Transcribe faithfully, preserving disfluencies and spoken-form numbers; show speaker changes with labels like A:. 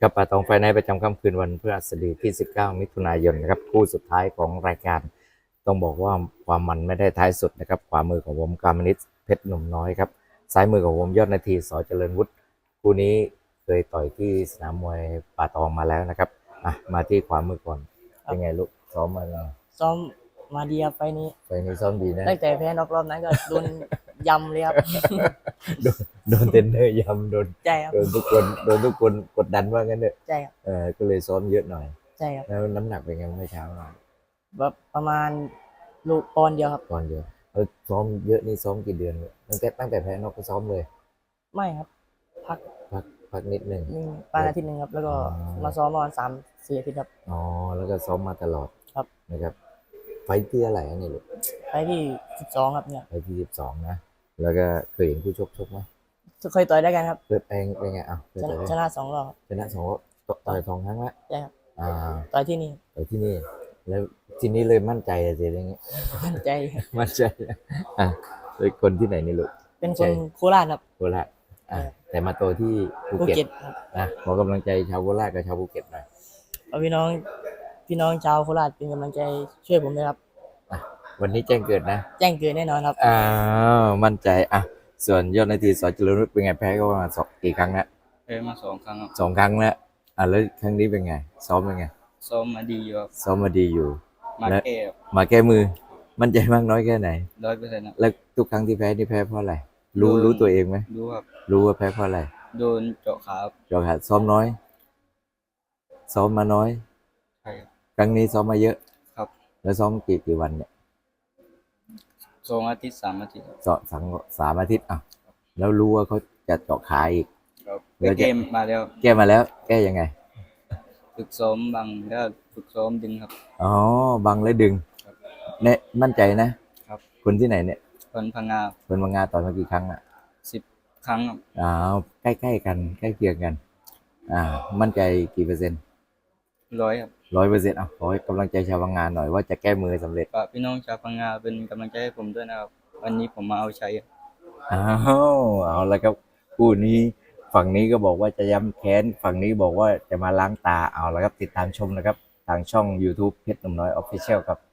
A: กับป่าตองไฟในประจำค่ำคืนวันพฤหัสบดีที่สิบเก้ามิถุนายนนะครับคู่สุดท้ายของรายการต้องบอกว่าความมันไม่ได้ท้ายสุดนะครับขวามือของผมกามนิตเพชรหนุ่มน้อยครับซ้ายมือของผมยอดนาทีสอเจริญวุฒิคู่นี้เคยต่อยที่สนามมวยป่าตองมาแล้วนะครับอ่ะมาที่ขวามือก่อนเป็นไงลูกซ้อมมาไง
B: ซ้อมมาดีครับไฟล์นี้
A: ไฟนี้ซ้อมดีนะ
B: ตั้งแต่แพ้นอกรอบนั้นก็โดนยำเลยครับ
A: โดนโดนเทรนเนอร์ยำโดน
B: ใช่ครับ
A: โดนทุกคนโดนทุกคนกดดันว่างั้นเนอะ
B: ใช่ครับ
A: เออก็เลยซ้อมเยอะหน่อย
B: ใช่ครับ
A: แล้วน้ำหนักเป็นไงเมื่อเช้าหน่อย
B: แบบประมาณลูกปอนด์เดียวครับ
A: ตอนเดียวเออซ้อมเยอะนี่ซ้อมกี่เดือนเนี่ยตั้งแต่ตั้งแต่แพ้นอกก็ซ้อมเลย
B: ไม่ครับพัก
A: พักพักนิดหนึ่ง
B: หนึ่งประมาณอาทิตย์หนึ่งครับแล้วก็มาซ้อมประมาณสามสี่อาทิตย์ครับ
A: อ๋อแล้วก็ซ้อมมาตลอด
B: ครับ
A: นะครับไฟท์ที่อะไรอันนี้ลูก
B: ไฟล์ที่สิบสองครับเนี่ย
A: ไฟท์ที่สิบสองนะแล้วก็เคยเห็นคู่ชกชกไหม
B: เคยต่อยได้กันครับ
A: เคยเองเป็นไงอ่ะเคย
B: ช
A: ต่อยได้
B: นะชนะสองรอบ
A: ชนะสองต่อยสองครั้งละ
B: ใช่ครับ
A: อ่า
B: ต่อยที่นี่
A: ต่อยที่นี่แล้วทีนี้เลยมั่นใจอะสิอย่างเงี้ย
B: มั่นใจ
A: มั่นใจอ่ะเป็นคนที่ไหนนี่ลูก
B: เป็นคนโคราชครับ
A: โคราชอ่ะแต่มาโตที่ภู
B: ภู
A: เก็ต
B: เก็ตครับ
A: นะขอกำลังใจชาวโคราชกับชาวภูเก็ตหน่อย
B: เอาพี่น้องพี่น้องชาวโคราชเป็นกำลังใจช่วยผมด้วยครับ
A: อ่ะวันนี้แจ้งเกิดนะ
B: แจ้งเกิดแน่นอนครับ
A: อ้าวมั่นใจอ่ะส่วนยอดนาทีสอเจริญวุฒิเป็นไงแพ้ก็ประมาณสองกี่ครั้งแล้ว
C: แพ้มาสองครั้งครับ
A: สองครั้งแล้วอ่ะแล้วครั้งนี้เป็นไงซ้อมเป็นไง
C: ซ้อมมาดีอยู่ครับ
A: ซ้อมมาดีอยู่
C: มา
A: และ
C: แก้ครับ
A: มาแก้มือมั่นใจมากน้อยแค่ไหน
C: ร้อยเปอร์เซ็นต์ครับ
A: แล้วทุกครั้งที่แพ้นี่แพ้เพราะอะไรรู้รู้ตัวเองไหม
C: รู้ครับ
A: รู้ว่าแพ้เพราะอะไร
C: โดนเจาะขาครับ
A: จอขาดซ้อมน้อยซ้อมมาน้อย
C: ใช่ครับ
A: ครั้งนี้ซ้อมมาเยอะ
C: ครับ
A: แล้วซ้อมกี่กี่วันเนี่ย
C: สองอาทิตย์สามอาทิตย์ครับ
A: สองสามสามอาทิตย์อ่ะแล้วรู้ว่าเขาจะเจาะขาอีก
C: ครับ
A: แล้ว
C: เกมมาแล้ว
A: แก้มาแล้วแก้ยังไง
C: ฝึกซ้อมบังแล้วฝึกซ้อมดึงครับ
A: อ๋อบังและดึง
C: ครับ
A: เนี่ยมั่นใจนะครับคนที่ไหนเนี่ย
C: คนพังงา
A: คนบางงาต่อยมากี่ครั้งอ่ะ
C: สิบครั้งครับ
A: อ้าวใกล้ๆกันใกล้เคียงกันอ่ามั่นใจกี่เปอร์เซ็นต์
C: ร้อยครับ
A: ร้อยเปอร์เซ็นต์อ่ะขอให้กำลังใจชาวบางงานหน่อยว่าจะแก้มือสำเร็จ
C: ฝากพี่น้องชาวพังงาเป็นกำลังใจให้ผมด้วยนะครับวันนี้ผมมาเอาชัยครับ
A: อ้าวเอาละครับคู่นี้ฝั่งนี้ก็บอกว่าจะย้ำแค้นฝั่งนี้บอกว่าจะมาล้างตาเอาละครับติดตามชมนะครับทางช่อง YouTube เพชรหนุ่มน้อย Official ครับ